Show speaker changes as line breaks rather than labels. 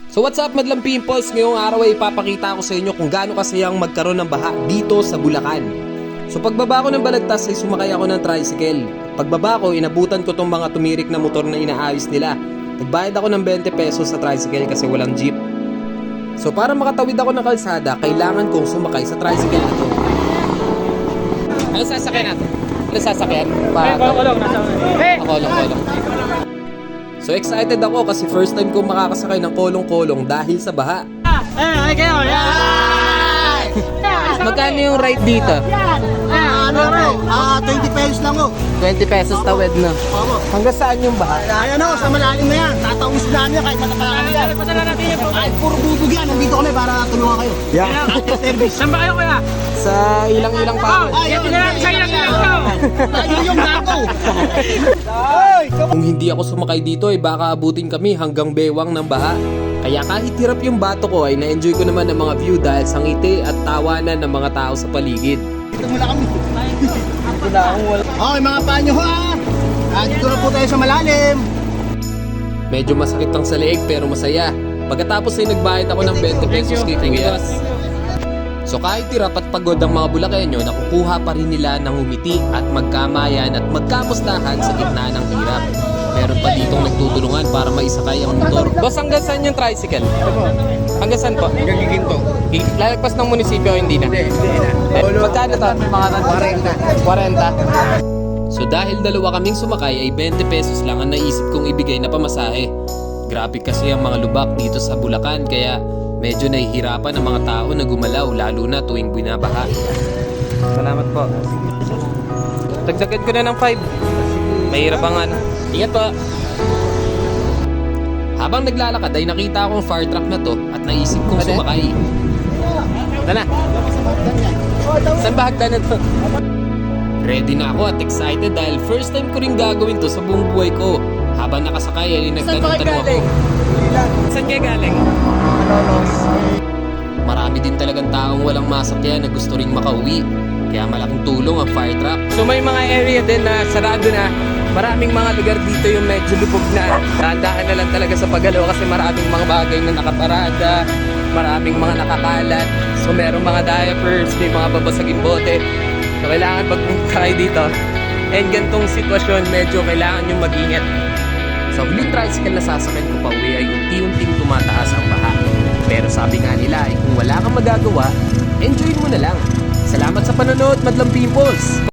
So what's up madlang pimples? Ngayong araw ay ipapakita ko sa inyo kung gaano kasayang magkaroon ng baha dito sa Bulacan. So pagbaba ko ng Balagtas ay sumakay ako ng tricycle. Pagbaba ko, inabutan ko tong mga tumirik na motor na inaayos nila. Nagbayad ako ng 20 pesos sa tricycle kasi walang jeep. So para makatawid ako ng kalsada, kailangan kong sumakay sa tricycle na to. Ano sasakyan natin? Ano sasakyan? Kolong. So excited ako kasi first time kong makakasakay ng kolong-kolong dahil sa baha. Magkano yung ride dito?
20 pesos lang oh.
20 pesos tawid na. Hanggang saan yung baha?
Ayan oh, sa malalim na yan. Tataong sila niya kahit matapakan nila. Kahit puro bubog yan. Nandito kami para tulungan kayo.
Yeah.
Service.
Saan ba kayo kuya?
Sa ilang pa.
Ayun,
Sa ilang.
ayun yung gago.
Kung hindi ako sumakay dito ay baka abutin kami hanggang bewang ng baha. Kaya kahit hirap yung bato ko ay na-enjoy ko naman ang mga view dahil sa ngiti at tawanan ng mga tao sa paligid.
Dito mula kami. Okay mga panyo ha. Dito na po tayo sa malalim.
Medyo masakit lang sa leeg pero masaya. Pagkatapos ay nagbayad ako ng 20 pesos kay Kuya. So kahit hirap at pagod ang mga Bulakenyo, nakukuha pa rin nila ng humiti at magkamayan at magkamustahan sa gitna ng hirap. Meron pa ditong nagtutulungan para maisakay ang motor. Boss, hanggang saan yung tricycle? Hanggang saan po?
Hanggang giginto.
Lalagpas ng munisipyo o hindi na?
Hindi na.
Magkano to? Mga 40.
40.
So dahil dalawa kaming sumakay ay 20 pesos lang ang naisip kong ibigay na pamasahe. Grabe kasi ang mga lubak dito sa Bulacan kaya medyo nahihirapan ang mga tao na gumalaw lalo na tuwing binabaha. Salamat po. Dagdagan ko na ng 5. Mahirap ang ano. Ingat po. Habang naglalakad ay nakita akong fire truck na to at naisip kong sumakay. Ito na. Saan ba hagdan na to? Ready na ako at excited dahil first time ko rin gagawin to sa buong buhay ko. Habang nakasakay ay nagtanong-tanong ako. Saan kayo galing? Marami din talagang taong walang masakyan na gusto ring makauwi. Kaya malaking tulong ang fire truck. So may mga area din na sarado na. Maraming mga lugar dito yung medyo lubog na. Dahan-dahan na lang talaga sa paggalaw kasi maraming mga bagay na nakaparada. Maraming mga nakakalat. So merong mga diapers, may mga babasaging bote. So kailangan pagpunta kayo dito. And gantong sitwasyon, medyo kailangan yung mag-ingat. Sa huling tricycle na sasakyan ko pa uwi ay unti-unting tumataas ang baha. Pero sabi nga nila ay kung wala kang magagawa, enjoy mo na lang. Salamat sa panonood, madlang pimples!